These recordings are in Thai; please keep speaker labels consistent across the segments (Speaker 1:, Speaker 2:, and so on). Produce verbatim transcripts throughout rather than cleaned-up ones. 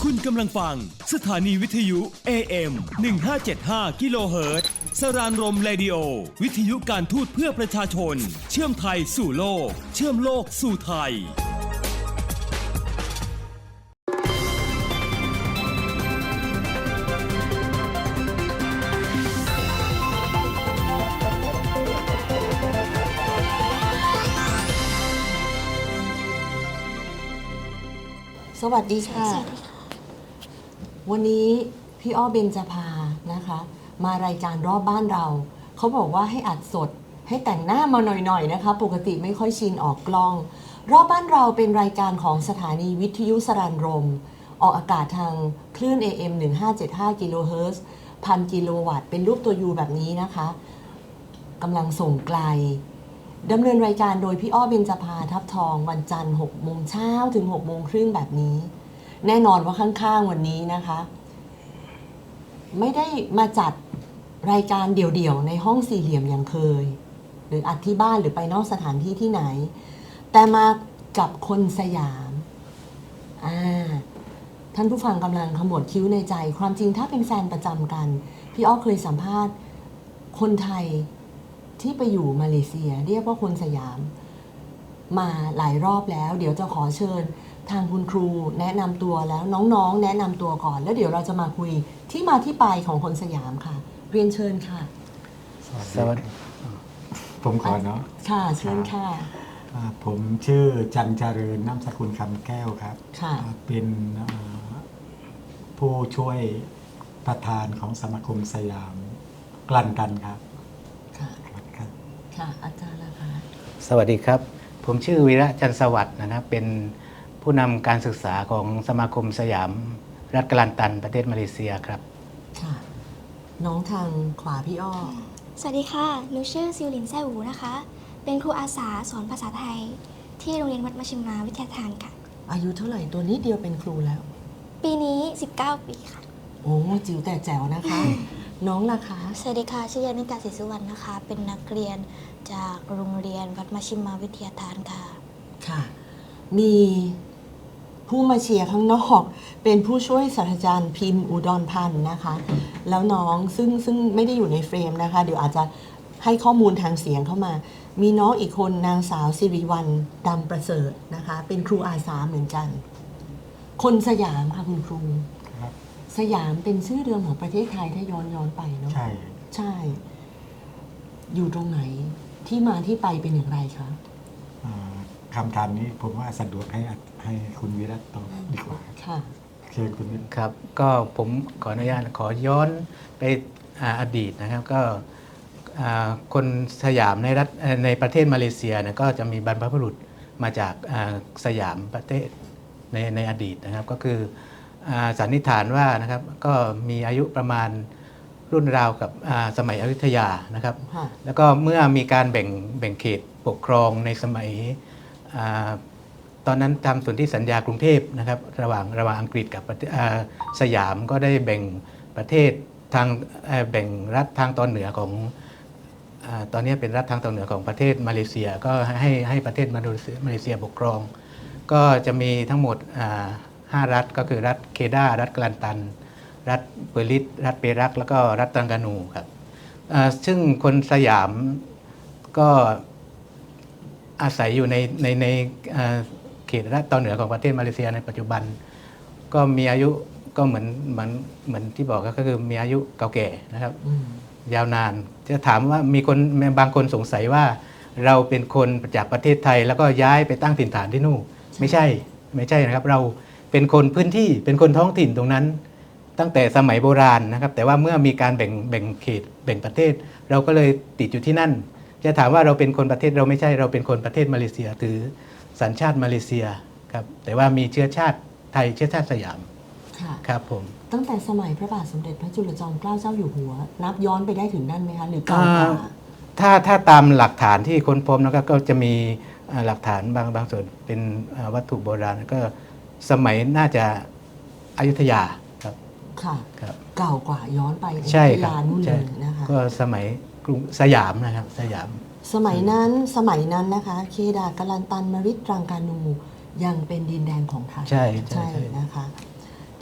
Speaker 1: คุณกำลังฟังสถานีวิทยุ เอ เอ็ม หนึ่งห้าเจ็ดห้า กิโลเฮิรตซ์สรานรมเรดิโอวิทยุการทูตเพื่อประชาชนเชื่อมไทยสู่โลกเชื่อมโลกสู่ไทย
Speaker 2: สวัสดีค่ะ วันนี้พี่อ้อเบญจภานะคะ มารายการรอบบ้านเรา เขาบอกว่าให้อัดสดให้แต่งหน้ามาหน่อยๆนะคะ ปกติไม่ค่อยชินออกกล้อง รอบบ้านเราเป็นรายการของสถานีวิทยุสรานรม ออกอากาศทางคลื่น เอ เอ็ม หนึ่งห้าเจ็ดห้า กิโลเฮิรตซ์พันกิโลวัตต์เป็นรูปตัวยูแบบนี้นะคะกำลังส่งไกลดำเนินรายการโดยพี่อ้อเบญจภาทับทองวันจันทร์หกโมงเช้าถึงหกโมงครึ่งแบบนี้แน่นอนว่าข้างๆวันนี้นะคะไม่ได้มาจัดรายการเดี่ยวๆในห้องสี่เหลี่ยมอย่างเคยหรืออัดที่บ้านหรือไปนอกสถานที่ที่ไหนแต่มากับคนสยามอ่าท่านผู้ฟังกำลังขมวดคิ้วในใจความจริงถ้าเป็นแฟนประจำกันพี่อ้อเคยสัมภาษณ์คนไทยที่ไปอยู่มาเลเซียเรียกว่าคนสยามมาหลายรอบแล้วเดี๋ยวจะขอเชิญทางคุณครูแนะนำตัวแล้วน้องๆแนะนำตัวก่อนแล้วเดี๋ยวเราจะมาคุยที่มาที่ไปของคนสยามค่ะเรียนเชิญค่ะ
Speaker 3: สวัสดีผมขอเนาะ
Speaker 2: ค่ะเชิญค่ะ
Speaker 3: ผมชื่อจันเจริญนามสกุลคำแก้วครับ
Speaker 2: ค่ะ
Speaker 3: เป็นผู้ช่วยประธานของสมาคมสยามกลั่นกันครับ
Speaker 2: ค่ะค่ะอาจารย์ล่ะคะ
Speaker 4: สวัสดีครับผมชื่อวีระจันทร์สวัสดิ์นะครับเป็นผู้นำการศึกษาของสมาคมสยามรัฐกลันตันประเทศมาเลเซียครับ
Speaker 2: ค่ะน้องทางขวาพี่อ้อ
Speaker 5: สวัสดีค่ะหนูชื่อซิวลินแซ่หูนะคะเป็นครูอาสาสอนภาษาไทยที่โรงเรียนวัดมชิมาวิทยาทานค่ะ
Speaker 2: อายุเท่าไหร่ตัวนี้เดียวเป็นครูแล้ว
Speaker 5: ปีนี้สิบเก้าปีค่ะ
Speaker 2: โอ้จิ๋วแต่แจ๋วนะคะ น้องล่ะคะ
Speaker 6: สวัสดีค่ะชื่อยานิกาศรีสุวรรณนะคะเป็นนักเรียนจากโรงเรียนวัดมชิมาวิทยาทานค่ะ
Speaker 2: ค่ะมีผู้มาเชียร์ข้างนอกเป็นผู้ช่วยศาสตราจารย์พิมพ์อุดรพันธ์นะคะแล้วน้องซึ่งซึ่งไม่ได้อยู่ในเฟรมนะคะเดี๋ยวอาจจะให้ข้อมูลทางเสียงเข้ามามีน้องอีกคนนางสาวสิริวัลย์ดำประเสริฐนะคะเป็นครูอาสาเหมือนกันคนสยามค่ะคุณครูสยามเป็นชื่อเดิมของประเทศไทยถ้าย้อนย้อนไปเนาะ
Speaker 3: ใช่
Speaker 2: ใช่อยู่ตรงไหนที่มาที่ไปเป็นอย่างไรคะ
Speaker 3: คำถามนี้ผมว่าสะดวกให้ให้คุณวิรัตตอบดีกว่า
Speaker 2: ค่ะ
Speaker 3: เชิญคุณวิรัต
Speaker 4: ครับก็ผมขออนุญาตขอย้อนไปอดีตนะครับก็คนสยามในรัฐในประเทศมาเลเซียเนี่ยก็จะมีบรรพบุรุษมาจากสยามประเทศในในอดีตนะครับก็คือสันนิษฐานว่านะครับก็มีอายุประมาณรุ่นราวกับสมัยอยุธยานะครับแล้วก็เมื่อมีการแบ่งแบ่งเขตปกครองในสมัยตอนนั้นทำสนธิสัญญากรุงเทพนะครับระหว่างระหว่างอังกฤษกับสยามก็ได้แบ่งประเทศทางแบ่งรัฐทางตอนเหนือของตอนนี้เป็นรัฐทางตอนเหนือของประเทศมาเลเซียก็ให้ให้ประเทศมาเลเซียปกครองก็จะมีทั้งหมดห้ารัฐก็คือรัฐเคดารัฐกลันตันรัฐเปอริตรัฐเปรักแล้วก็รัฐตังกานูครับซึ่งคนสยามก็อาศัยอยู่ในในในเขตรัฐตอนเหนือของประเทศมาเลเซียในปัจจุบันก็มีอายุก็เหมือนเหมือนเหมือนที่บอกก็คือมีอายุเก่าแก่นะครับยาวนานจะถามว่ามีคนบางคนสงสัยว่าเราเป็นคนจากประเทศไทยแล้วก็ย้ายไปตั้งถิ่นฐานที่นู่นไม่ใช่ไม่ใช่นะครับเราเป็นคนพื้นที่เป็นคนท้องถิ่นตรงนั้นตั้งแต่สมัยโบราณนะครับแต่ว่าเมื่อมีการแบ่งแบ่งเขตแบ่งประเทศเราก็เลยติดอยู่ที่นั่นจะถามว่าเราเป็นคนประเทศเราไม่ใช่เราเป็นคนประเทศมาเลเซียถือสัญชาติมาเลเซียครับแต่ว่ามีเชื้อชาติไทยเชื้อชาติสยามครับผม
Speaker 2: ตั้งแต่สมัยพระบาทสมเด็จพระจุลจอมเกล้าเจ้าอยู่หัวนับย้อนไปได้ถึงนั่นไหมคะหรือเก่ากว่า
Speaker 4: ถ้าถ้าตามหลักฐานที่ค้นพบนะครับก็จะมีหลักฐานบางบางส่วนเป็นวัตถุโบราณก็สมัยน่าจะอยุธยาครับ
Speaker 2: ค่ะครับเก่ากว่าย้อนไป
Speaker 4: ใช่ครับ
Speaker 2: นู่นเลยนะคะ
Speaker 4: ก็สมัยกรุงสยามนะครับสยาม
Speaker 2: สมัยนั้นสมัยนั้นนะคะเคดากลันตันมริตรังกานูยังเป็นดินแดนของไทย
Speaker 4: ใช่
Speaker 2: ใช่นะคะท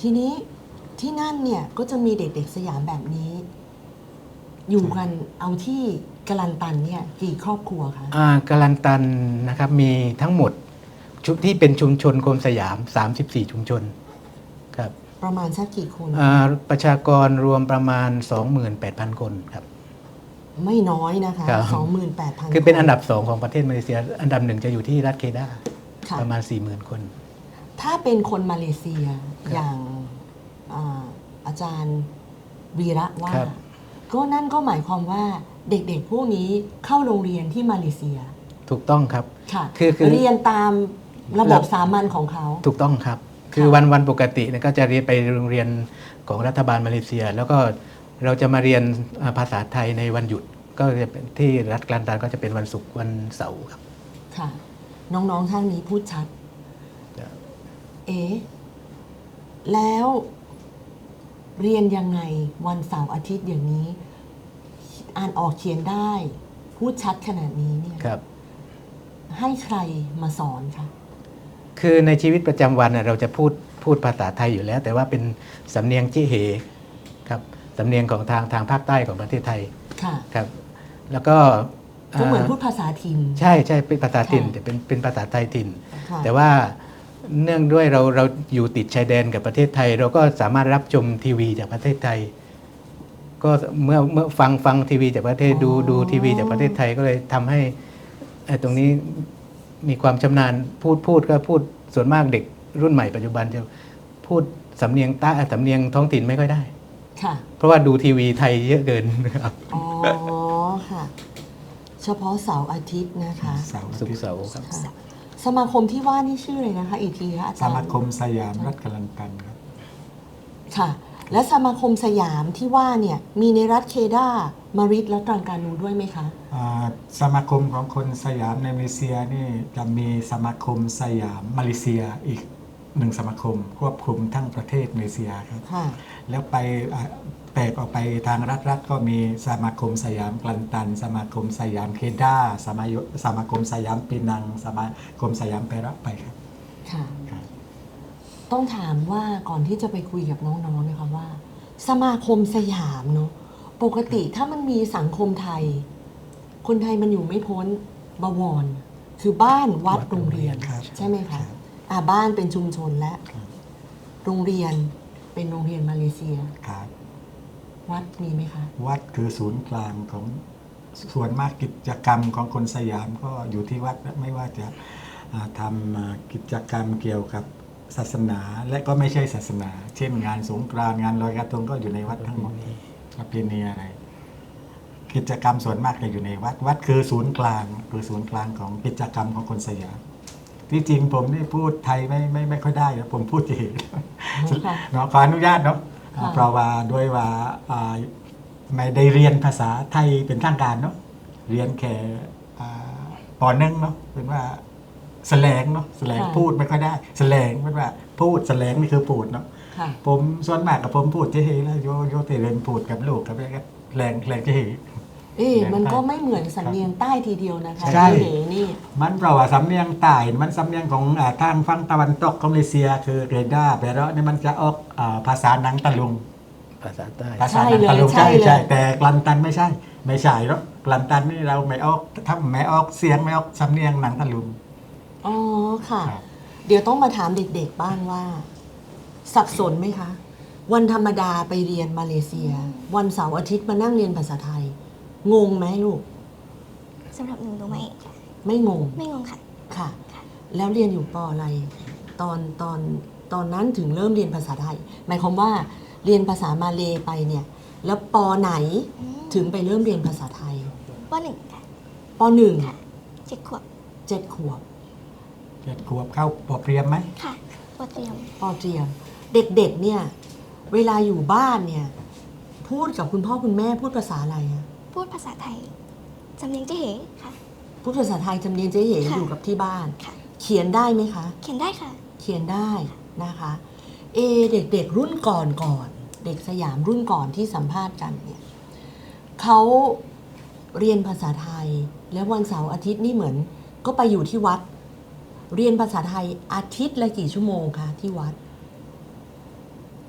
Speaker 2: ทีนี้ที่นั่นเนี่ยก็จะมีเด็กๆสยามแบบนี้ อยู่กันเอาที่กะลันตันเนี่ยกี่ครอบครัวคะ
Speaker 4: อ่ากาลันตันนะครับมีทั้งหมดชุดที่เป็นชุมชนโคมสยาม สามสิบสี่ ชุมชนครับ
Speaker 2: ประมาณสักกี่คน
Speaker 4: อ่าประชากรรวมประมาณ สองหมื่นแปดพัน คนครับ
Speaker 2: ไม่น้อยนะคะ
Speaker 4: ครับ
Speaker 2: สองหมื่นแปดพัน
Speaker 4: คือเป็นอันดับสองของประเทศมาเลเซีย อันดับหนึ่งจะอยู่ที่รัฐเคดา
Speaker 2: ค่ะ
Speaker 4: ประมาณ สี่หมื่น คน
Speaker 2: ถ้าเป็นคนมาเลเซียอย่างอ่าอาจารย์วีระว่า
Speaker 4: ครับ
Speaker 2: ก็นั่นก็หมายความว่าเด็กๆพวกนี้เข้าโรงเรียนที่มาเลเซีย
Speaker 4: ถูกต้องครับ
Speaker 2: ค่ะ
Speaker 4: คือคือ
Speaker 2: เรียนตามระบบสามัญของเขา
Speaker 4: ถูกต้องครับ คือวันวันปกติเนี่ยก็จะเรียนไปโรงเรียนของรัฐบาลมาเลเซีย แล้วก็เราจะมาเรียนอ่าภาษาไทยในวันหยุด ก็จะเป็นที่รัฐกาลันตันก็จะเป็นวันศุกร์วันเสาร์ครับ
Speaker 2: ค่ะ น้องๆท่านนี้พูดชัด
Speaker 4: ครับ
Speaker 2: เอ๊ะแล้วเรียนยังไงวันเสาร์อาทิตย์อย่างนี้ อ่านออกเขียนได้ พูดชัดขนาดนี้เนี่ย
Speaker 4: ครับ
Speaker 2: ให้ใครมาสอนคะ
Speaker 4: คือในชีวิตประจำวันน่ะเราจะพูดพูดภาษาไทยอยู่แล้ว แต่ว่าเป็นสำเนียงจิเหครับสำเนียงของทางทางภาคใต้ของประเทศไทย
Speaker 2: ค่ะ
Speaker 4: ครับ แล้วก็
Speaker 2: ก็เหมือน
Speaker 4: อ่า
Speaker 2: พูดภาษาถิ่น
Speaker 4: ใช่ใช่เป็นภาษาถิ่น
Speaker 2: ค่ะ
Speaker 4: แต่เป็นเป็นภาษาไทยถิ่น
Speaker 2: ค่ะ
Speaker 4: แต่ว่าเนื่องด้วยเราเราอยู่ติดชายแดนกับประเทศไทย เราก็สามารถรับชมทีวีจากประเทศไทย ก็เมื่อเมื่อฟังฟังทีวีจากประเทศดูดูทีวีจากประเทศไทยก็เลยทำให้ไอ้ตรงนี้มีความชำนาญพูดพูดก็พูดส่วนมากเด็กรุ่นใหม่ปัจจุบันจะพูดสำเนียงใต้สำเนียงท้องถิ่นไม่ค่อยได้
Speaker 2: ค่ะ
Speaker 4: เพราะว่าดูทีวีไทยเยอะเกินครับ
Speaker 2: อ๋อ ค่ะ เฉพาะเสาร์อาทิตย์นะคะ
Speaker 3: เสาร์อา
Speaker 4: สุก
Speaker 3: ทิต
Speaker 4: ร์
Speaker 3: ย์
Speaker 4: เสาร์ครับ
Speaker 2: ค่ะ สมาคมที่ว่านี่ชื่อเลยนะคะ อีกทีคะอา
Speaker 3: ส
Speaker 2: จารย์
Speaker 3: มาคมสยามรัฐกาลันตันครับ
Speaker 2: ค่ะ และสมาคมสยามที่ว่าเนี่ยมีในรัฐเคดามาริดและตรังกานูด้วยไหมคะ
Speaker 3: อ่าสมาคมของคนสยามในมาเลเซียนี่จะมีสมาคมสยามมาเลเซียอีกหนึ่งสมาคมควบคุมทั้งประเทศมาเลเซียครับ
Speaker 2: ค่ะ
Speaker 3: แล้วไปอ่าแตกออกไปทางรัฐรัฐก็มีสมาคมสยามกลันตัน สมาคมสยามเคดาสมายุสมาคมสยามปีนัง สมาคมสยามเประไปครับ
Speaker 2: ค่ะ
Speaker 3: ครับ
Speaker 2: ต้องถามว่าก่อนที่จะไปคุยกับน้องๆนะคะว่า สมาคมสยามเนาะปกติถ้ามันมีสังคมไทย คนไทยมันอยู่ไม่พ้นบวร คือบ้านวัด
Speaker 3: วัด
Speaker 2: โรงเรียน
Speaker 3: ครับ
Speaker 2: ใช่ไหม
Speaker 3: ครั
Speaker 2: คะ
Speaker 3: บ
Speaker 2: อ่าบ้านเป็นชุมชนและ
Speaker 3: ครับ
Speaker 2: โรงเรียนเป็นโรงเรียนมาเลเซีย
Speaker 3: ครับ
Speaker 2: วัดมีไหมคะ
Speaker 3: วัดคือศูนย์กลางของส่วนมากกิจกรรมของคนสยามก็อยู่ที่วัดไม่ว่าจะอ่าทำอ่ากิจกรรมเกี่ยวกับศาสนาและก็ไม่ใช่ศาสนา เช่นงานสงกรานต์งานลอยกระทงก็อยู่ในวัดทั้งหมดประเพณีอะไร กิจกรรมส่วนมากจะอยู่ในวัด วัดคือศูนย์กลางคือศูนย์กลางของกิจกรรมของคนสยามที่จริงผมนี่พูดไทยไม่ไม่ไม่ค่อยได้นะผมพูดจีน
Speaker 2: ค่ะ
Speaker 3: เนาะขออนุญาตเนาะ
Speaker 2: ค่ะ
Speaker 3: เพราะว่าด้วยว่าอ่าไม่ได้เรียนภาษาไทยเป็นทางการเนาะเรียนแค่อ่าปหนึ่งเนาะเป็นว่าแสลงเนาะแสลงพูดไม่ค่อยได้แสลงเป็นว่าพูดแสลงนี่คือพูดเนาะ
Speaker 2: ค่ะ
Speaker 3: ผมส่วนมากกับผมพูดเจ๊เฮแล้วโยโยเตเรนพูดกับลูกกับอะไรก็แรงแรงเจ๊เฮ
Speaker 2: เอ๊ะ
Speaker 3: แรง
Speaker 2: มันก็
Speaker 3: ใต้
Speaker 2: ไม่เหมือนสำเนียงใต้ทีเดียวนะคะ
Speaker 3: ใช่
Speaker 2: ที่เหนี่
Speaker 3: มันเพราะว่าสำเนียงใต้มันสำเนียงของอ่าทางฝั่งตะวันตกของมาเลเซีย คือเรดาแปลว่านี่มันจะออกอ่าภาษาหนังตะลุง
Speaker 4: ภาษาใต้
Speaker 3: ภาษาหนังตะลุงใช่ใช่แต่กลันตันไม่ใช่ ไม่ใช่หรอกกลันตันนี่เราไม่ออกถ้าไม่ออกเสียงไม่ออกสำเนียงหนังตะลุง
Speaker 2: อ๋อค่ะ
Speaker 3: ครับ
Speaker 2: เดี๋ยวต้องมาถามเด็กๆบ้างว่า สับสนไหมคะ วันธรรมดาไปเรียนมาเลเซีย วันเสาร์อาทิตย์มานั่งเรียนภาษาไทย งงไหมลูก
Speaker 5: สำหรับหนูหนูไม่
Speaker 2: ไม่งง
Speaker 5: ไม่งงค่ะ
Speaker 2: ค่ะ แล้วเรียนอยู่ปออะไร ตอนตอนตอนนั้นถึงเริ่มเรียนภาษาไทย หมายความว่าเรียนภาษามาเลไปเนี่ย แล้วปอไหน
Speaker 5: อืม
Speaker 2: ถึงไปเริ่มเรียนภาษาไทย
Speaker 5: ว่าหนึ่งค่ะ
Speaker 2: ปอหนึ่ง
Speaker 5: ค่ะเจ็ดขวบ
Speaker 2: เจ็ดขวบ
Speaker 3: เจ็ดขวบเข้าปอเปรียมไหม
Speaker 5: ค่ะว่าเตรียม
Speaker 2: ปอเตรียม เด็กๆเนี่ย เวลาอยู่บ้านเนี่ย พูดกับคุณพ่อคุณแม่พูดภาษาอะไรอะ
Speaker 5: พูดภาษาไทยจำเนียงเจ๊เหค่ะ
Speaker 2: พูดภาษาไทยจำเนียนเจ๊เหย
Speaker 5: ค่ะ
Speaker 2: อยู่กับที่บ้าน
Speaker 5: ค่ะ
Speaker 2: เขียนได้ไหมคะ
Speaker 5: เขียนได้ค่ะ
Speaker 2: เขียนได้นะคะ เอเด็กๆรุ่นก่อนก่อน เด็กสยามรุ่นก่อนที่สัมภาษณ์กันเนี่ยเขาเรียนภาษาไทย แล้ววันเสาร์อาทิตย์นี่เหมือน ก็ไปอยู่ที่วัด เรียนภาษาไทยอาทิตย์ละกี่ชั่วโมงคะที่วัด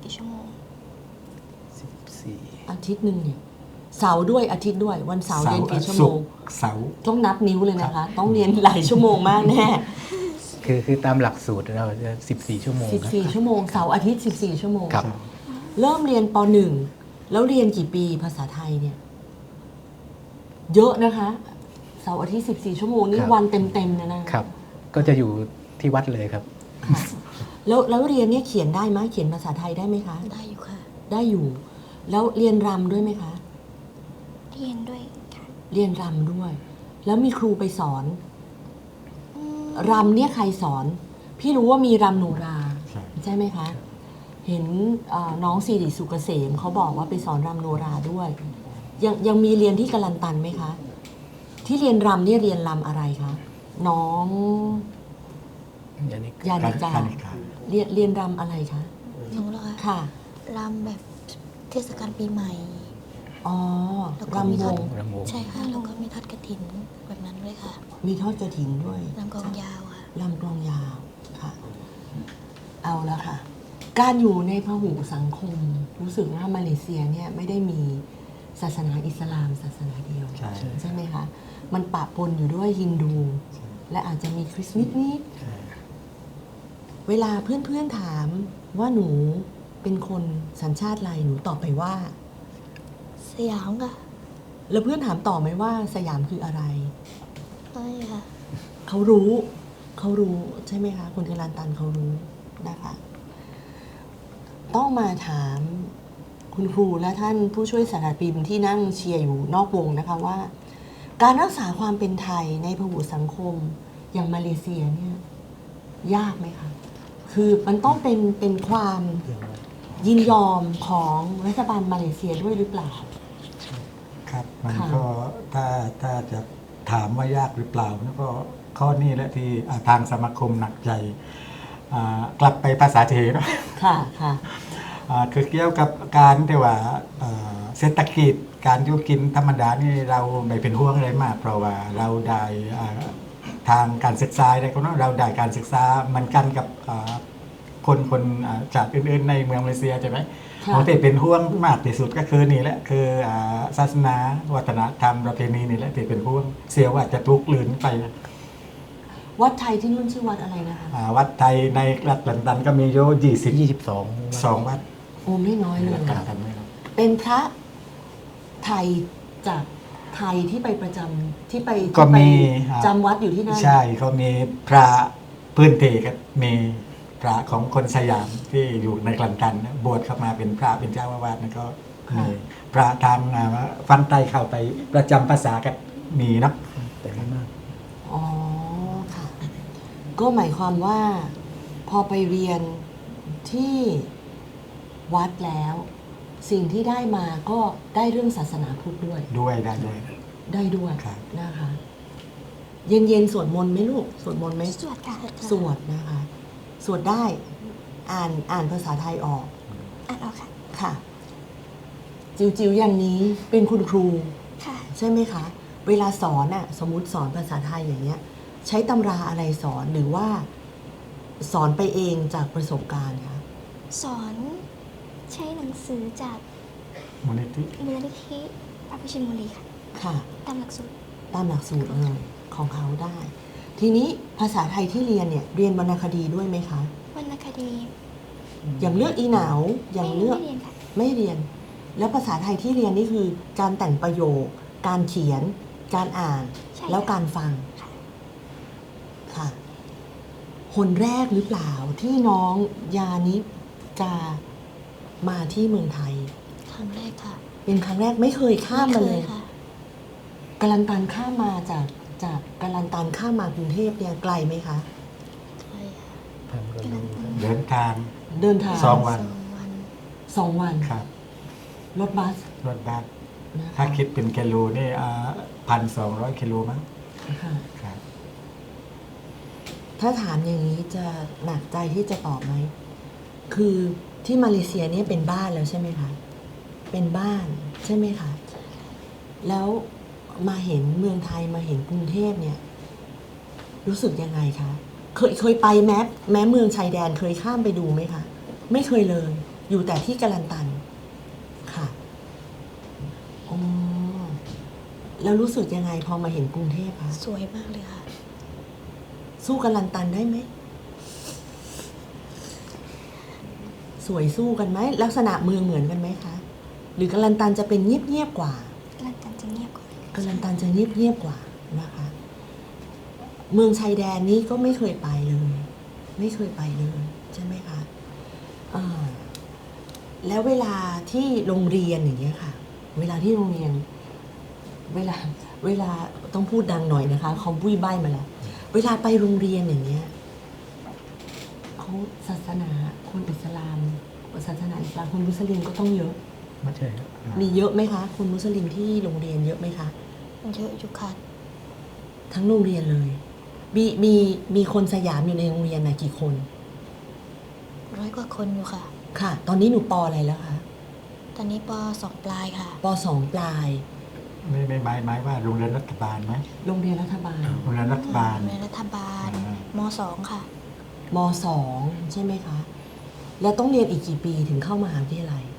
Speaker 5: กี่ชั่วโมง
Speaker 4: สิบสี่
Speaker 2: อาทิตย์หนึ่งเนี่ยเสาร์ด้วยอาทิตย์ด้วยวันเสาร์เรียนกี่ชั่วโม
Speaker 3: ศุ
Speaker 2: ง
Speaker 3: กร์เสาร์
Speaker 2: ต้องนับนิ้วเลยนะคะ ต้องเรียนหลายชั่วโมงมากแน่
Speaker 4: คือคือตามหลักสูตรเราจะสิบสี่ชั่วโมงครับ
Speaker 2: สิบสี่ชั่วโมงเสาร์อาทิตย์สิบสี่ชั่วโมง
Speaker 4: ครับ
Speaker 2: เริ่มเรียนปหนึ่งแล้วเรียนกี่ปีภาษาไทยเนี่ย เยอะนะคะเสาร์อาทิตย์สิบสี่ชั่วโมงนี่
Speaker 4: ครับ
Speaker 2: วันเต็มๆนะนะครับ
Speaker 4: ก็จะอยู่ที่วัดเลยครับ
Speaker 2: แล้วแล้วเรียนเนี่ยเขียนได้ไหมเขียนภาษาไทยได้ไหมคะ
Speaker 6: ได้อยู่ค่ะ
Speaker 2: ได้อยู่ แล้วเรียนรำด้วยไหมคะ
Speaker 5: เรียนด้วยค่ะ
Speaker 2: เรียนรำด้วย แล้วมีครูไปสอน
Speaker 5: อืม
Speaker 2: รำเนี่ยใครสอน พี่รู้ว่ามีรำโนรา
Speaker 3: ใช่
Speaker 2: ใช่ไหมคะ เห็นเอ่อน้องสิริสุกเกษมเขาบอกว่าไปสอนรำโนราด้วย ยังยังมีเรียนที่กาลันตันไหมคะ ที่เรียนรำเนี่ยเรียนรำอะไรคะ น้อง
Speaker 4: ยานิก
Speaker 2: ยานิกา
Speaker 3: การนิกา
Speaker 2: เรียนเรียนรำอะไรคะ
Speaker 6: หนูเหรอคะ
Speaker 2: ค่ะ
Speaker 6: รำแบบเทศกาลปีใหม่
Speaker 2: อ๋อ
Speaker 6: แล้วก็มี
Speaker 2: รำว
Speaker 6: ทอด
Speaker 2: ง
Speaker 4: รำวง
Speaker 6: ใช่ค่ะ แล้วก็มีทอดกระถินแบบนั้นด้วยค่ะ
Speaker 2: มีทอดกระถินด้วย
Speaker 6: รำกลองยาวค่ะ
Speaker 2: ลำกลองยาวค่ะ เอาละค่ะ การอยู่ในพหุสังคม รู้สึกว่ามาเลเซียเนี่ยไม่ได้มีศาสนาอิสลามศาสนาเดียว
Speaker 3: ใช่
Speaker 2: ใช่ไหมคะ มันปะปนอยู่ด้วยฮินดู และอาจจะมีคริสต์นิดๆเวลาเพื่อนๆถามว่าหนูเป็นคนสัญชาติอะไรหนูตอบไปว่า
Speaker 6: สยามค่ะ
Speaker 2: แล้วเพื่อนถามต่อไหมว่าสยามคืออะไร
Speaker 6: ใช่ค่ะ
Speaker 2: เขารู้ เขารู้ใช่ไหมคะคนกาลันตันเขารู้นะคะ ต้องมาถามคุณครูและท่านผู้ช่วยศาสตราจารย์ปิมที่นั่งเชียร์อยู่นอกวงนะคะว่า การรักษาความเป็นไทยในพหุสังคมอย่างมาเลเซียเนี่ยยากไหมคะ คือมันต้องเป็นเป็นความยินยอมของรัฐบาลมาเลเซียด้วยหรือเปล่า
Speaker 3: ครับ มัน
Speaker 2: ค่ะ
Speaker 3: ก็ถ้าถ้าจะถามว่ายากหรือเปล่าแล้วก็ข้อนี้แหละที่อ่าทางสมาคมหนักใจอ่ากลับไปภาษาเทเนาะ
Speaker 2: ค่ะค่ะ
Speaker 3: อ่าคือเกี่ยวกับการที่ว่าเอ่อเศรษฐกิจการอยู่กินธรรมดานี่เราไม่เป็นห่วงอะไรมาก เพราะว่าเราได้อ่าทางการศึกษาอะไรก็เนาะเราได้การศึกษามันกันกับอ่าคนคนอ่าจากอื่นๆในเมืองมาเลเซียใช่ไหม
Speaker 2: ค่ะ
Speaker 3: ของที่เป็นห่วงมากที่สุดก็คือนี่แหละคืออ่าศาสนาวัฒนธรรมประเพณีนี่แหละที่เป็นห่วงเสียว่าจะทุกข์ลืนไป
Speaker 2: วัดไทยที่นู่นชื่อวัดอะไรนะคะ
Speaker 3: อ่าวัดไทยในรัฐลันตันก็มีโยยี่สิบ
Speaker 4: ยี่สิบสอง
Speaker 3: สองวัด
Speaker 2: โอ้ไม่น้อยเลย
Speaker 3: รัฐลันตันไม่รู้
Speaker 2: เป็นพระไทยจากไทยที่ไปประจำที่ไป
Speaker 3: ก็
Speaker 2: ที่ไป
Speaker 3: มีอ่า
Speaker 2: จำวัดอยู่ที่นั่น
Speaker 3: ใช่เขามีพระพื้นเพก็มีพระของคนสยามที่อยู่ในกลันตันนะบวชเข้ามาเป็นพระเป็นเจ้าอาวาสนะก็มีพระทางอ่าฟันไตเข้าไปประจำภาษาก็มีเนาะ
Speaker 4: แต่ไม่มาก
Speaker 2: อ๋อค่ะ ก็หมายความว่า พอไปเรียนที่วัดแล้ว สิ่งที่ได้มาก็ได้เรื่องศาสนาพุทธด้วย
Speaker 3: ด้วยได้ด้วย
Speaker 2: ได้ด้วย
Speaker 3: ครับ
Speaker 2: นะคะ เย็นเย็นๆสวดมนต์ไหมลูกสวดมนต์ไหม
Speaker 5: สวดค่ะ
Speaker 2: สวดนะคะ สวดได้ อ่านอ่านภาษาไทยออก
Speaker 5: อ่านออกค่ะ
Speaker 2: ค่ะ จิวจิวอย่างนี้เป็นคุณครู
Speaker 5: ค่ะ
Speaker 2: ใช่ไหมคะ เวลาสอนอะสมมุติสอนภาษาไทยอย่างเงี้ย ใช้ตำราอะไรสอนหรือว่า สอนไปเองจากประสบการณ์คะ
Speaker 5: สอนใช้หนังสือจาก
Speaker 3: มูลนิธิ
Speaker 5: มูลนิธิพระพุทธชินบุรีค่ะ
Speaker 2: ค่ะ
Speaker 5: ตามหลักสูตร
Speaker 2: ตามหลักสูตรเลยของเขาได้ ทีนี้ภาษาไทยที่เรียนเนี่ย เรียนวรรณคดีด้วยไหมคะ
Speaker 5: วรรณคดี
Speaker 2: อย่างเลือกอีหนาวอย่าง
Speaker 5: ไม่
Speaker 2: เลือก
Speaker 5: ไม่เรียนค่ะ
Speaker 2: ไม่เรียน แล้วภาษาไทยที่เรียนนี่คือ การแต่งประโยค การเขียน การอ่าน
Speaker 5: ใช่
Speaker 2: แล้ว
Speaker 5: ค่ะ
Speaker 2: การฟัง
Speaker 5: ค่ะ
Speaker 2: ค่ะ คนแรกหรือเปล่าที่น้องยานิกามาที่เมืองไทย
Speaker 6: ครั้งแรกค่ะ
Speaker 2: เป็นครั้งแรกไม่เคยข้ามมาเลย
Speaker 6: ไคค่ะ
Speaker 2: กาลันตันข้ามมาจากจากกาลันตันข้ามมากรุงเทพเนี่ยไกลไหมคะ
Speaker 6: ใช่ค่ะ
Speaker 4: ทางเราดู
Speaker 3: เดินทาง
Speaker 2: เดินทาง
Speaker 3: สองวัน
Speaker 6: สองวัน
Speaker 2: สองวัน
Speaker 3: ครับ
Speaker 2: รถบัส
Speaker 3: รถบัส
Speaker 2: นะคะ
Speaker 3: ถ้าคิดเป็นกิโลนี่พันสองร้อยกิโลมั้ง
Speaker 2: ค่ะ
Speaker 3: ครับ
Speaker 2: ถ้าถามอย่างนี้จะหนักใจที่จะตอบไหม คือที่มาเลเซียเนี่ยเป็นบ้านแล้วใช่ไหมคะ เป็นบ้านใช่ไหมคะ แล้วมาเห็นเมืองไทยมาเห็นกรุงเทพเนี่ย รู้สึกยังไงคะ เคยเคยไปแม้แม้เมืองชายแดนเคยข้ามไปดูไหมคะ ไม่เคยเลยอยู่แต่ที่กาลันตันค่ะอ๋อแล้วรู้สึกยังไงพอมาเห็นกรุงเทพคะ
Speaker 6: สวยมากเลยค่ะ
Speaker 2: สู้กาลันตันได้ไหมสวยสู้กันไหมลักษณะเมืองเหมือนกันไหมคะหรือกาลันตันจะเป็นเงียบๆกว่า
Speaker 5: ลันตันจะเงียบกว่า
Speaker 2: กาลันตันจะเงียบๆกว่านะคะ เมืองชายแดนนี้ก็ไม่เคยไปเลย ไม่เคยไปเลยใช่ไหมคะอ่าแล้วเวลาที่โรงเรียนอย่างเงี้ยค่ะ เวลาที่โรงเรียน เวลาเวลาต้องพูดดังหน่อยนะคะเขาบุ้ยใบ้มาแล้ว เวลาไปโรงเรียนอย่างเงี้ยเขาศาสนาคนอิสลามศาสนาอิสลามคนมุสลิมก็ต้องเยอะ
Speaker 4: ไม่ใช่ครับ
Speaker 2: มีเยอะไหมคะคนมุสลิมที่โรงเรียนเยอะไหมคะ
Speaker 6: เยอะอยู่ค่ะ
Speaker 2: ทั้งโรงเรียนเลย มีมีมีคนสยามอยู่ในโรงเรียนนะกี่คน
Speaker 6: ร้อยกว่าคนอยู่ค่ะ
Speaker 2: ค่ะ ตอนนี้หนูปออะไรแล้วคะ
Speaker 6: ตอนนี้ปสองปลายค่ะ
Speaker 2: ปสองปลาย
Speaker 3: ไม่ไม่หมายหมายว่าโรงเรียนรัฐบาลไหม
Speaker 2: โรงเรียนรัฐบาล
Speaker 3: โรงเรียนรัฐบาล
Speaker 6: โรงเรียนรัฐบาล
Speaker 3: อ่าม
Speaker 6: สองค่ะ
Speaker 2: มสองใช่ไหมคะ แล้วต้องเรียนอีกกี่ปีถึงเข้ามหาวิทยาลัย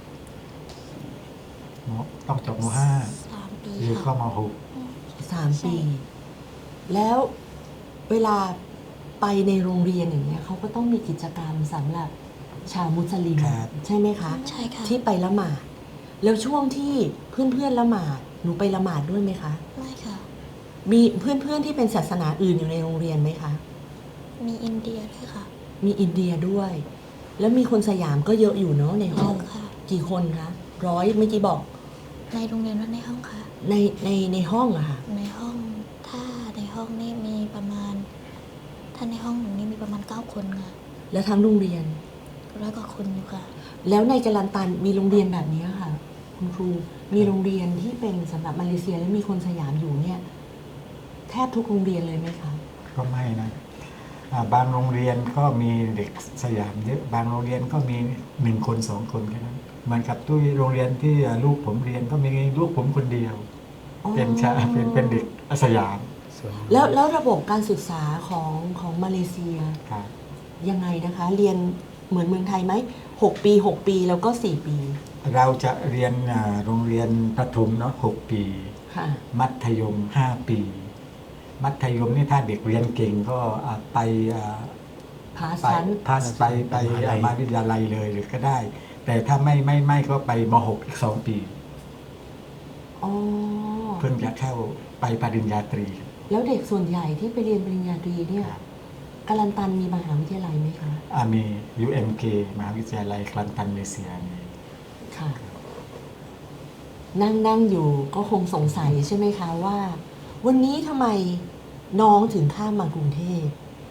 Speaker 3: มต้องจบมห้า
Speaker 6: สามปี
Speaker 3: หรือเข้า
Speaker 6: ค่ะ
Speaker 3: มหก
Speaker 2: สามปี แล้วเวลาไปในโรงเรียนอย่างเงี้ยเขาก็ต้องมีกิจกรรมสำหรับชาวมุสลิม
Speaker 3: ครับ
Speaker 2: ใช่ไหมคะ
Speaker 6: ใช่ค่ะ
Speaker 2: ที่ไปละหมาด แล้วช่วงที่เพื่อนๆละหมาดหนูไปละหมาดด้วยไหมคะ
Speaker 6: ไม่ค่ะ
Speaker 2: มีเพื่อนๆที่เป็นศาสนาอื่นอยู่ในโรงเรียนไหมคะ
Speaker 6: มีอินเดียด้วยค่ะ
Speaker 2: มีอินเดียด้วย แล้วมีคนสยามก็เยอะอยู่เนาะในห้อง
Speaker 6: เยอะค่ะ
Speaker 2: กี่คนคะร้อยเมื่อกี้บอก
Speaker 6: ในโรงเรียนว่าในห้องค่ะ
Speaker 2: ในในในห้องอะค่ะ
Speaker 6: ในห้องถ้าในห้องนี่มีประมาณ ถ้าในห้องหนูนี่มีประมาณเก้าคนค่ะ
Speaker 2: แล้วทั้งโรงเรียน
Speaker 6: ร้อยกว่าคนอยู่ค่ะ
Speaker 2: แล้วในกาลันตันมีโรงเรียนแบบนี้ค่ะ คุณครู มีโรงเรียนที่เป็นสำหรับมาเลเซียและมีคนสยามอยู่เนี่ย แทบทุกโรงเรียนเลยไหมคะ
Speaker 3: ก็ไม่นะอ่าบางโรงเรียนก็มีเด็กสยามเยอะบางโรงเรียนก็มีหนึ่งคนสองคนแค่นั้นเหมือนกับที่โรงเรียนที่ลูกผมเรียนก็มีลูกผมคนเดียว
Speaker 2: อ๋อ
Speaker 3: เป็นชาเป็นเป็นเด็กสยาม
Speaker 4: ส่วน
Speaker 2: แล้วแล้วระบบการศึกษาของของมาเลเซีย
Speaker 3: ครับ
Speaker 2: ยังไงนะคะ เรียนเหมือนเมืองไทยไหมหกปีหกปีแล้วก็สี่ปี
Speaker 3: เราจะเรียนอ่าโรงเรียนประถมเนาะหกปี
Speaker 2: ค่ะ
Speaker 3: มัธยมห้าปี มัธยมนี่ถ้าเด็กเรียนเก่งก็อ่าไปอ่า
Speaker 2: พา
Speaker 3: ไป
Speaker 2: ชั้น
Speaker 3: พาสไปไปอ่ามหาวิทยาลัยเลยหรือก็ได้ แต่ถ้าไม่ไม่ไม่ก็ไปมหกอีกสองปี
Speaker 2: อ๋อ
Speaker 3: เพิ่งจะเข้าไปปริญญาตรี
Speaker 2: แล้วเด็กส่วนใหญ่ที่ไปเรียนปริญญาตรีเนี่ยกาลันตันมีมหาวิทยาลัยไหมคะ
Speaker 3: อ่ามี ยู เอ็ม เค มหาวิทยาลัยคลันตันมาเลเซียมี
Speaker 2: ค่ะ นั่งนั่งอยู่ก็คงสงสัยใช่ไหมคะว่า วันนี้ทำไมน้องถึงข้ามมากรุงเทพ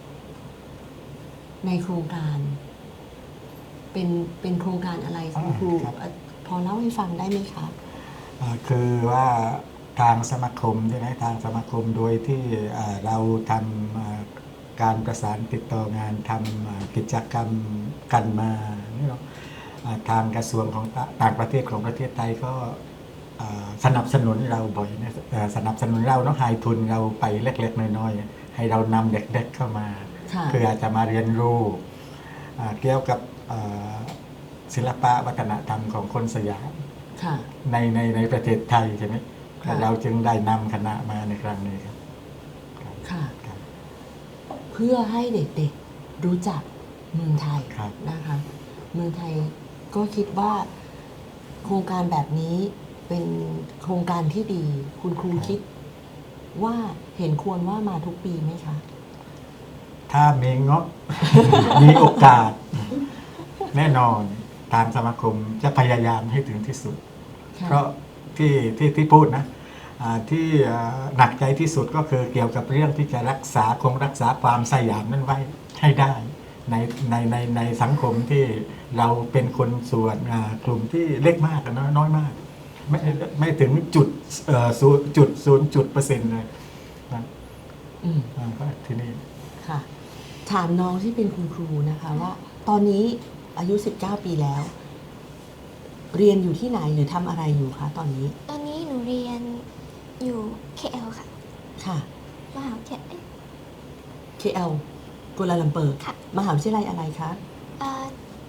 Speaker 2: ในโครงการ เป็นเป็นโครงการอะไรคุณครูเอ่อพอเล่าให้ฟังได้ไหมคะ
Speaker 3: อ่าคือว่าทางสมาคมใช่ไหมทางสมาคมโดยที่อ่าเราทำอ่าการประสานติดต่องานทำอ่ากิจกรรมกันมานี่เนาะอ่าทางกระทรวงของต่าต่างประเทศของประเทศไทยก็อ่าสนับสนุนเราบ่อยนะเอ่อสนับสนุนเราเนาะให้ทุนเราไปเล็กๆน้อยๆให้เรานำเด็กๆเข้ามา
Speaker 2: ค่ะ
Speaker 3: เพื่อจะมาเรียนรู้อ่าเกี่ยวกับอ่าศิลปะวัฒนธรรมของคนสยาม
Speaker 2: ค่ะ
Speaker 3: ในในในประเทศไทยใช่ไหม
Speaker 2: ค่ะ
Speaker 3: เราจึงได้นำคณะมาในครั้งนี้ครับ
Speaker 2: ค่ะ
Speaker 3: ครับ
Speaker 2: เพื่อให้เด็กๆรู้จักเมืองไทย
Speaker 3: ครับ
Speaker 2: นะคะ เมืองไทยก็คิดว่า โครงการแบบนี้เป็นโครงการที่ดี คุณครูคิดว่าเห็นควรว่ามาทุกปีไหมคะ
Speaker 3: ถ้ามีงบ มีโอกาส แน่นอนทางสมาคมจะพยายามให้ถึงที่สุด
Speaker 2: ค่ะ
Speaker 3: เพราะที่ที่ที่พูดนะอ่าที่อ่าหนักใจที่สุดก็คือเกี่ยวกับเรื่องที่จะรักษาคงรักษาความสยามนั้นไว้ให้ได้ในในในในสังคมที่เราเป็นคนส่วนอ่ากลุ่มที่เล็กมากนะน้อยมาก ไม่ไม่ถึงจุดเอ่อศูนย์จุดศูนย์จุดเปอร์เซ็นต์เลยนะ
Speaker 2: อืม
Speaker 3: อ่าก็ที่นี่
Speaker 2: ค่ะ ถามน้องที่เป็นคุณครูนะคะว่า ตอนนี้อายุสิบเก้าปีแล้ว เรียนอยู่ที่ไหนหรือทำอะไรอยู่คะตอนนี้
Speaker 5: ตอนนี้หนูเรียนอยู่ เค แอล ค่ะ
Speaker 2: ค่ะ
Speaker 5: มหาวิทยาลัย
Speaker 2: เค แอล กัวลาลัมเปอร์
Speaker 5: ค่ะ
Speaker 2: มหาวิทยาลัยอะไรคะ
Speaker 5: เอ่อ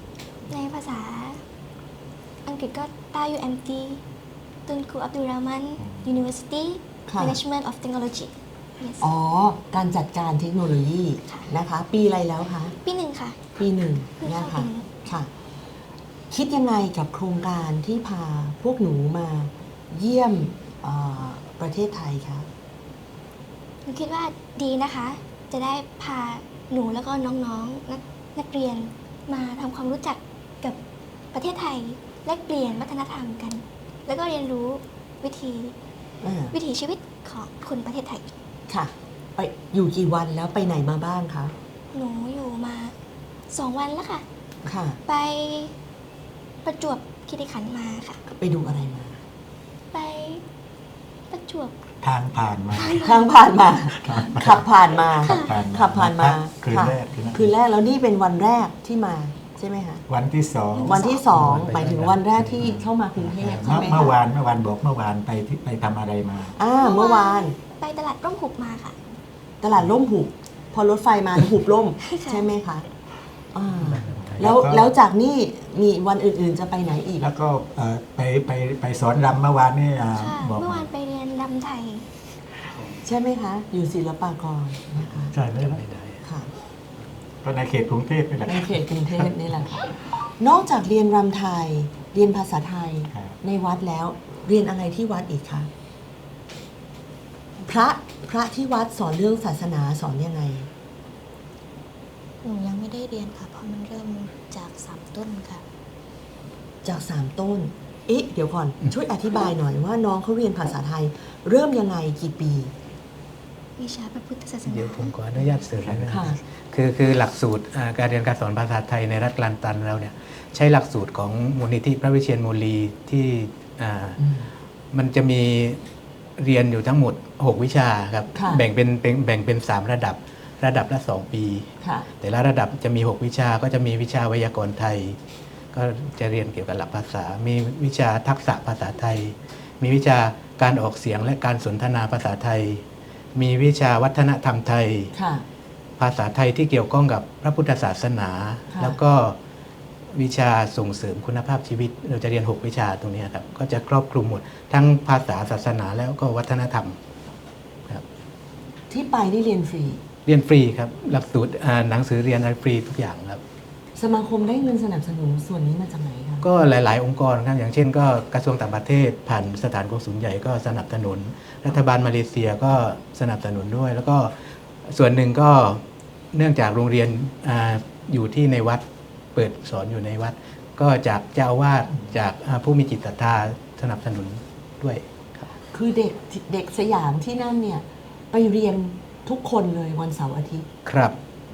Speaker 5: ในภาษาอังกฤษก็ตา ยู เอ็ม ที ตุนคูอับดุลรามัน University
Speaker 2: ค่ะ
Speaker 5: Management of Technology yes
Speaker 2: อ๋อ การจัดการเทคโนโลยี
Speaker 5: ค่ะ
Speaker 2: นะคะ ปีอะไรแล้วคะ
Speaker 5: ปีหนึ่งค่ะ
Speaker 2: ปีหนึ่ง
Speaker 5: เพิ่ง
Speaker 2: นะ
Speaker 5: เข้า
Speaker 2: คะ
Speaker 5: ปีหนึ่ง
Speaker 2: ค่ะ คิดยังไงกับโครงการที่พาพวกหนูมาเยี่ยมเอ่อประเทศไทยคะ
Speaker 5: หนูคิดว่าดีนะคะ จะได้พาหนูแล้วก็น้องๆนักนักเรียนมาทำความรู้จักกับประเทศไทยแลกเปลี่ยนวัฒนธรรมกัน แล้วก็เรียนรู้วิธี
Speaker 2: อ่า
Speaker 5: วิถีชีวิตของคนประเทศไทย
Speaker 2: ค่ะ ไปอยู่กี่วันแล้วไปไหนมาบ้างคะ
Speaker 5: หนูอยู่มาสองวันแล้วค่ะ
Speaker 2: ค่ะ
Speaker 5: ไปประจวบคีรีขันธ์มาค่ะ
Speaker 2: ไปดูอะไรมา
Speaker 5: ไปประจวบ
Speaker 3: ทางผ่านมา
Speaker 2: ทางผ่านมา ขับผ่านมา
Speaker 3: ขับผ่านมา
Speaker 2: ขับผ่านมา
Speaker 3: คืน
Speaker 2: ค่ะ
Speaker 3: แรกคืนแรก
Speaker 2: คืนแรกแล้วนี่เป็นวันแรกที่มาใช่ไหมคะ
Speaker 3: วันที่สอง
Speaker 2: วันที่สอง
Speaker 4: วันไป
Speaker 2: หมายถึงวันแรกที่เข้ามากรุงเทพใช่
Speaker 3: เมื่อ
Speaker 2: ไหม
Speaker 3: เมื่อ
Speaker 2: คะ
Speaker 3: วานเมื่อวานบอกเมื่อวานไปที่ไปทำอะไรมา
Speaker 2: อ่าเมื่อวาน
Speaker 5: ไปตลาดร่มหุบมาค่ะ
Speaker 2: ตลาดร่มหุบพอรถไฟมาหุบร่ม
Speaker 5: ค่ะ
Speaker 2: ใช่ไหมคะอ่าแล้วแล้วจากนี่มีวันอื่นๆจะไปไหนอีก
Speaker 3: แล้วก็เอ่อไปไปไปสอนรำเมื่อวานนี่อ่า
Speaker 5: ค่ะ
Speaker 3: บอก
Speaker 5: เมื่อ
Speaker 3: มาว
Speaker 5: านไปเรียนรำไทย
Speaker 2: ใช่ไหมคะ อยู่ศิลปากรนะคะ
Speaker 3: ใช่เลย
Speaker 4: ไม่ได้
Speaker 2: ค่ะ
Speaker 3: ก็ในเขตกรุงเทพนี่แหละ
Speaker 2: ในเขตกรุงเทพนี่แหละค่ะนอกจากเรียนรำไทย เรียนภาษาไทย
Speaker 3: ครับ
Speaker 2: ในวัดแล้วเรียนอะไรที่วัดอีกคะพระพระที่วัดสอนเรื่องศาสนาสอนยังไง
Speaker 6: หนูยังไม่ได้เรียนค่ะ เพราะมันเริ่มจากสามต้นค่ะ
Speaker 2: จากสามต้น เอ๊ะ เดี๋ยวก่อน ช่วยอธิบายหน่อยว่าน้องเขาเรียนภาษาไทย เริ่มยังไงกี่ปี
Speaker 5: วิชาพระพุทธศาสนา
Speaker 4: เดี๋ยวผมขออนุญาตเสริมนะ
Speaker 2: ค่ะ
Speaker 4: คือคือหลักสูตรอ่าการเรียนการสอนภาษาไทยในรัฐกลันตันเราเนี่ยใช้หลักสูตรของมูลนิธิพระวิเชียรมูลีที่อ่า
Speaker 2: อืม
Speaker 4: มันจะมีเรียนอยู่ทั้งหมด หก วิชาครับ
Speaker 2: ค่ะ
Speaker 4: แบ่งเป็นเป็นแบ่งเป็นสามระดับระดับละสองปี
Speaker 2: ค่ะ
Speaker 4: แต่ละระดับจะมี หก วิชาก็จะมีวิชาไวยากรณ์ไทย ก็จะเรียนเกี่ยวกับหลักภาษา มีวิชาทักษะภาษาไทย มีวิชาการออกเสียงและการสนทนาภาษาไทย มีวิชาวัฒนธรรมไทย
Speaker 2: ค่ะ
Speaker 4: ภาษาไทยที่เกี่ยวข้องกับพระพุทธศาสนา
Speaker 2: ค่ะ
Speaker 4: แล้วก็วิชาส่งเสริมคุณภาพชีวิต เราจะเรียน หก วิชาตรงนี้ครับก็จะครอบคลุมหมดทั้งภาษาศาสนาแล้วก็วัฒนธรรมครับ
Speaker 2: ที่ไปนี่เรียนฟรี
Speaker 4: เรียนฟรีครับหลักสูตรอ่าหนังสือเรียนอะไรฟรีทุกอย่างครับ
Speaker 2: สมาคมได้เงินสนับสนุนส่วนนี้มาจากไหนคะ
Speaker 4: ก็หลาย ๆ องค์กรครับอย่างเช่น ก็กระทรวงต่างประเทศผ่านสถานกงสุลใหญ่ก็สนับสนุน รัฐบาลมาเลเซียก็สนับสนุนด้วย แล้วก็ส่วนหนึ่งก็เนื่องจากโรงเรียนอาอยู่ที่ในวัดเปิดสอนอยู่ในวัด ก็จากเจ้าอาวาสจากอ่าผู้มีจิตศรัทธาสนับสนุนด้วยครับ
Speaker 2: คือเด็กเด็กสยามที่นั่นเนี่ย ไปเรียนทุกคนเลยวันเสาร์อาทิตย์
Speaker 4: ครับ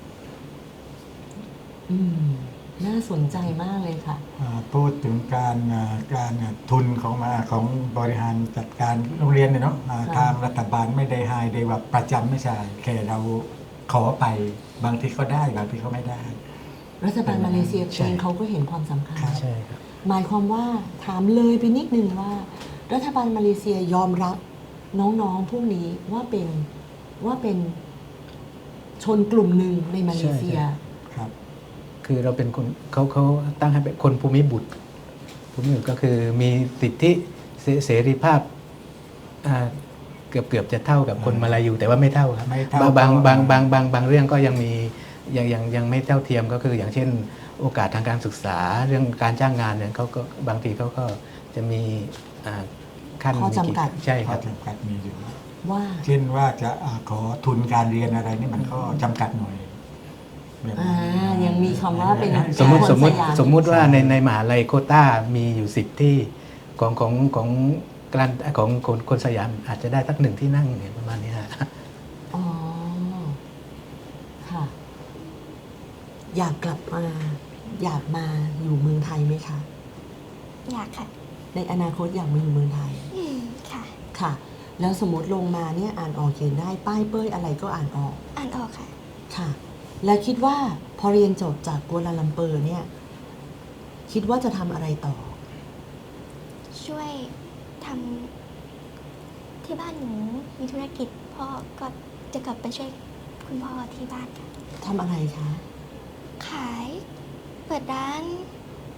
Speaker 2: อืม น่าสนใจมากเลยค่ะ
Speaker 3: อ่าพูดถึงการอ่าการอ่าทุนของมาของบริหารจัดการโรงเรียนเนี่ยเนาะอ่า
Speaker 2: ค่ะ
Speaker 3: ทางรัฐบาลไม่ได้ให้ได้ว่าประจำไม่ใช่แค่เราขอไปบางทีเขาได้บางทีเขาไม่ได้
Speaker 2: รัฐบาลมาเลเซีย
Speaker 4: ใช่
Speaker 2: เองเขาก็เห็นความสำคัญ
Speaker 4: ใช่ครับ
Speaker 2: หมายความว่าถามเลยไปนิดนึงว่า รัฐบาลมาเลเซียยอมรับน้องๆพวกนี้ว่าเป็นว่าเป็นชนกลุ่มหนึ่งในมาเลเซีย
Speaker 4: ใช่
Speaker 3: ครับ
Speaker 4: คือเราเป็นคนเขาเขาตั้งให้เป็นคนภูมิบุตรภูมิบุตรก็คือมีสิทธิเสเสรีภาพอ่าเกือบเกือบจะเท่ากับคนมาลายูแต่ว่าไม่เท่าครับ
Speaker 3: ไม่เท่า
Speaker 4: บางบาง
Speaker 3: ก็
Speaker 4: บางบางบางบางเรื่องก็ยังมียังยังยังไม่เท่าเทียมก็คืออย่างเช่น โอกาสทางการศึกษาเรื่องการจ้างงานเนี่ยเขาก็บางทีเขาก็จะมีอ่าขั้น
Speaker 2: ข้อจำกัด
Speaker 4: ใช่ค
Speaker 3: ข้อ
Speaker 4: รับ
Speaker 3: จำกัดมีอยู่
Speaker 2: ว่า
Speaker 3: เช่นว่าจะอาขอทุนการเรียนอะไรนี่มันก็จำกัดหน่อยแบบ
Speaker 2: อ่า
Speaker 3: นั้น
Speaker 2: ยังมีคำว่าเป็น
Speaker 4: สมมติ
Speaker 2: คน
Speaker 4: สมมติ
Speaker 2: สยาม
Speaker 4: สมมุติว่าในในมหาลัยโควต้ามีอยู่สิบที่ของของของการของคนคนสยามอาจจะได้สักหนึ่งที่นั่งเนี่ยประมาณนี้ฮะ
Speaker 2: อ๋อ ค่ะ อยากกลับมา อยากมาอยู่เมืองไทยไหมคะ
Speaker 5: อยากค่ะ
Speaker 2: ในอนาคตอยากมาอยู่เมืองไทย
Speaker 5: อืมค่ะ
Speaker 2: ค่ะ แล้วสมมติลงมาเนี่ยอ่านออกเขียนได้ป้ายเป้ยอะไรก็อ่านออก
Speaker 5: อ่านออกค่ะ
Speaker 2: ค่ะ แล้วคิดว่าพอเรียนจบจากกัวลาลัมเปอร์เนี่ย คิดว่าจะทำอะไรต่อ
Speaker 5: ช่วยทำที่บ้านหนูมีธุรกิจพ่อก็จะกลับไปช่วยคุณพ่อที่บ้านค่ะ
Speaker 2: ทำอะไรคะ
Speaker 5: ขาย เปิดร้าน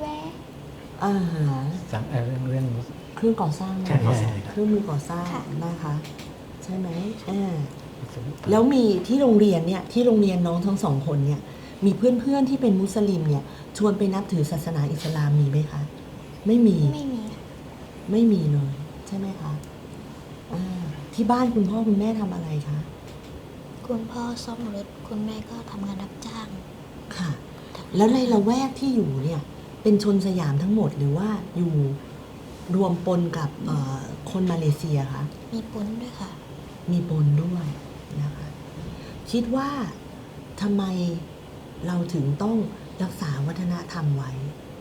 Speaker 5: แวร์
Speaker 2: อาหาร
Speaker 4: สังเอ่อเรื่องเรื่อง
Speaker 2: เครื่องก่อสร้าง
Speaker 4: ใช่ใช่
Speaker 2: เครื่องมือก่อสร้าง
Speaker 5: ค่ะ
Speaker 2: นะคะ ใช่ไหมอ่าแล้วมีที่โรงเรียนเนี่ยที่โรงเรียนน้องทั้งสองคนเนี่ย มีเพื่อนๆที่เป็นมุสลิมเนี่ย ชวนไปนับถือศาสนาอิสลามมีไหมคะ ไม่มี
Speaker 5: ไม่มีค่ะ
Speaker 2: ไม่มีเลย ใช่ไหมคะอ่าที่บ้านคุณพ่อคุณแม่ทำอะไรคะ
Speaker 6: คุณพ่อซ่อมรถคุณแม่ก็ทำงานรับจ้าง
Speaker 2: ค่ะ แล้วในละแวกที่อยู่เนี่ย เป็นชนสยามทั้งหมดหรือว่าอยู่รวมปนกับเอ่อคนมาเลเซียคะ
Speaker 6: มีปุ้นด้วยค่ะ
Speaker 2: มีปนด้วยนะคะ คิดว่าทำไมเราถึงต้องรักษาวัฒนธรรมไว้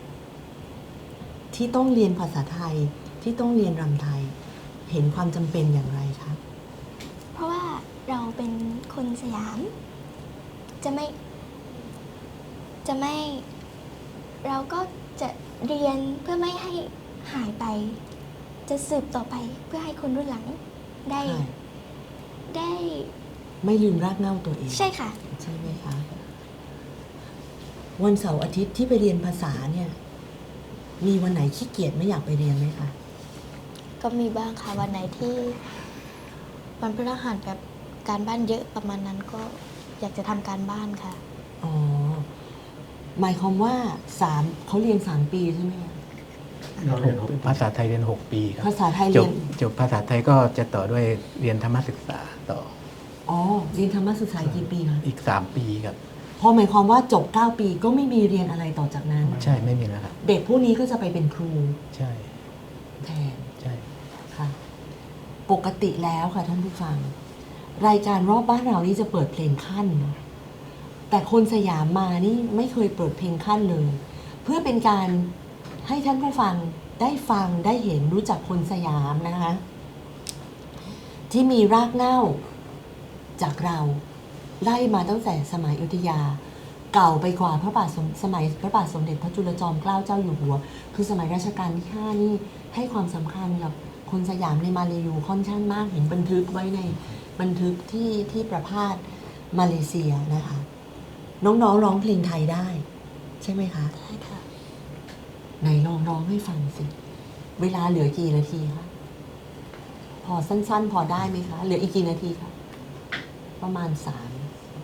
Speaker 2: ที่ต้องเรียนภาษาไทยที่ต้องเรียนรำไทย เห็นความจำเป็นอย่างไรคะ
Speaker 5: เพราะว่าเราเป็นคนสยาม จะไม่ จะไม่ เราก็จะเรียนเพื่อไม่ให้หายไป จะสืบต่อไปเพื่อให้คนรุ่นหลังได้
Speaker 2: ใช่
Speaker 5: ได้
Speaker 2: ไม่ลืมรากเหง้าตัวเอง
Speaker 5: ใช่ค่ะ
Speaker 2: ใช่ไหมคะ วันเสาร์อาทิตย์ที่ไปเรียนภาษาเนี่ย มีวันไหนขี้เกียจไม่อยากไปเรียนไหมคะ
Speaker 6: ก็มีบ้างค่ะวันไหนที่วันพฤหัสแบบการบ้านเยอะประมาณนั้นก็อยากจะทำการบ้านค่ะ
Speaker 2: อ๋อ หมายความว่าสามเขาเรียนสามปีใช่ไหมคะ
Speaker 3: เราเรียนหก
Speaker 4: ภาษาไทยเรียนหกปีครับ
Speaker 2: ภาษาไทย
Speaker 4: จ
Speaker 2: เรี
Speaker 4: บ
Speaker 2: ยน
Speaker 4: จบภาษาไทยก็จะต่อด้วยเรียนธรรมศึกษาต่อ
Speaker 2: อ๋อ เรียนธรรมศึกษากี่ปีคะ
Speaker 4: อีกสามปีครับ
Speaker 2: พอหมายความว่าจบเก้าปีก็ไม่มีเรียนอะไรต่อจากนั้น
Speaker 4: ใช่ไม่มีแล้วครับ
Speaker 2: เด็กผู้นี้ก็จะไปเป็นครู
Speaker 4: ใช่
Speaker 2: แทน
Speaker 4: ใช่
Speaker 2: ค่ะ ปกติแล้วค่ะท่านผู้ฟัง รายการรอบบ้านเรานี่จะเปิดเพลงขั้นนะแต่คนสยามมานี่ไม่เคยเปิดเพลงขั้นเลย เพื่อเป็นการให้ท่านผู้ฟังได้ฟังได้เห็นรู้จักคนสยามนะคะ ที่มีรากเหง้าจากเราไล่มาตั้งแต่สมัยอยุธยา เก่าไปกว่าพระบาทสมสมัยพระบาทสมเด็จพระจุลจอมเกล้าเจ้าอยู่หัว คือสมัยรัชกาลที่ห้านี่ให้ความสำคัญกับคนสยามในมาเลยูค่อนข้างมากเห็นบันทึกไว้ในบันทึกที่ที่ประพาสมาเลเซียนะคะ น้องๆร้องเพลงไทยได้ ใช่ไหมคะ
Speaker 6: ได้ค่ะ
Speaker 2: ไหนลองร้องให้ฟังสิ เวลาเหลือกี่นาทีคะ พอสั้นๆ พอได้ไหมคะ เหลืออีกกี่นาทีคะ ประมาณสาม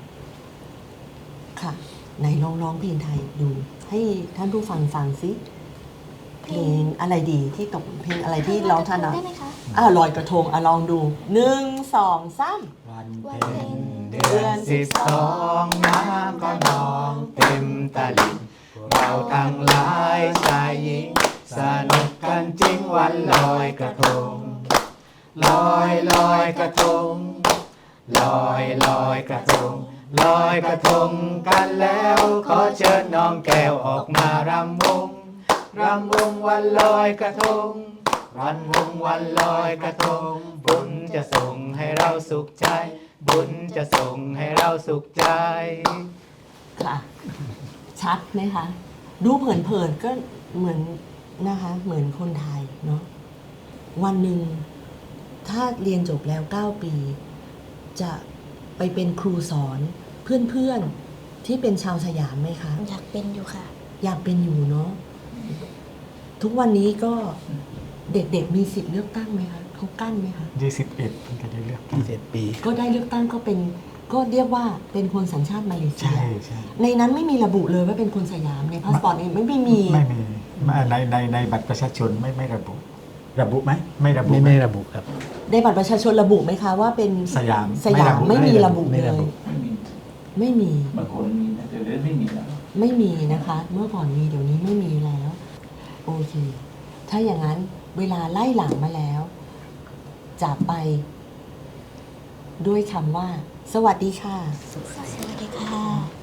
Speaker 2: ค่ะ ไหนลองร้องเพลงไทยดู ให้ท่านผู้ฟังฟังสิ เพลงอะไรดีที่ตกเพลงอะไรที่ร้องท่าน
Speaker 5: ได้
Speaker 2: อ่ะ
Speaker 5: ไหมคะ
Speaker 2: อ่าลอยกระทงอ่ะลองดูหนึ่งสองสาม
Speaker 3: วัน
Speaker 5: วัน
Speaker 3: เพ็
Speaker 5: เพ็
Speaker 3: ญ
Speaker 5: ญ
Speaker 4: เดือนสิบสองน้ำก็นองเต็มตลิ่งเราทั้งหลายชายหญิงสนุกกันจริงวันลอยกระทง ลอยลอยกระทง ลอยลอยกระทง ลอยกระทงกันแล้วขอเชิญน้องแก้วออกมารำวง รำวงวันลอยกระทง วันวงวันลอยกระทง บุญจะส่งให้เราสุขใจ บุญจะส่งให้เราสุขใจ
Speaker 2: ค่ะ ชัดไหมคะ ดูเผินๆก็เหมือนนะคะ เหมือนคนไทยเนาะ วันหนึ่งถ้าเรียนจบแล้วเก้าปี จะไปเป็นครูสอนเพื่อนๆที่เป็นชาวสยามไหมคะ
Speaker 6: อยากเป็นอยู่ค่ะ
Speaker 2: อยากเป็นอยู่เนาะ ทุกวันนี้ก็เด็กๆมีสิทธิ์เลือกตั้งไหมคะเขากั้นไหมคะ
Speaker 3: ยี่สิบเอ็ดเพิ่งจะได้เลือกตั้ง
Speaker 4: เจ็ดปี
Speaker 2: ก็ได้เลือกตั้งก็เป็นก็เรียกว่าเป็นคนสัญชาติมาเลเซี
Speaker 3: ใช่
Speaker 2: ย
Speaker 3: ใช่
Speaker 2: ในนั้นไม่มีระบุเลยว่าเป็นคนสยามในพาสปอร์ตเองไม่ไม่มี
Speaker 3: ไม่มีในในในบัตรประชาชนไม่ไม่ระบุ ระบุไหมไม่ระบุ
Speaker 4: ไม่
Speaker 3: ไหม
Speaker 4: ไม่ระบุครับ
Speaker 2: ในบัตรประชาชนระบุไหมคะว่าเป็น
Speaker 3: สยาม
Speaker 2: สยาม
Speaker 3: ไม่
Speaker 2: ไม่
Speaker 3: ระบุ
Speaker 2: มีระบุ
Speaker 4: ไม่
Speaker 2: เล
Speaker 4: ระบุ
Speaker 2: ย ไม่มี
Speaker 7: บางคนมีนะแต่เดี๋ยวไม่มีแล้ว
Speaker 2: ไม่มีนะคะ เมื่อก่อนมีเดี๋ยวนี้ไม่มีแล้ว โอเค ถ้าอย่างนั้นเวลาไล่หลังมาแล้ว จากไป ด้วยคำว่า สวัสดีค่ะ
Speaker 6: สวัสดีค่ะ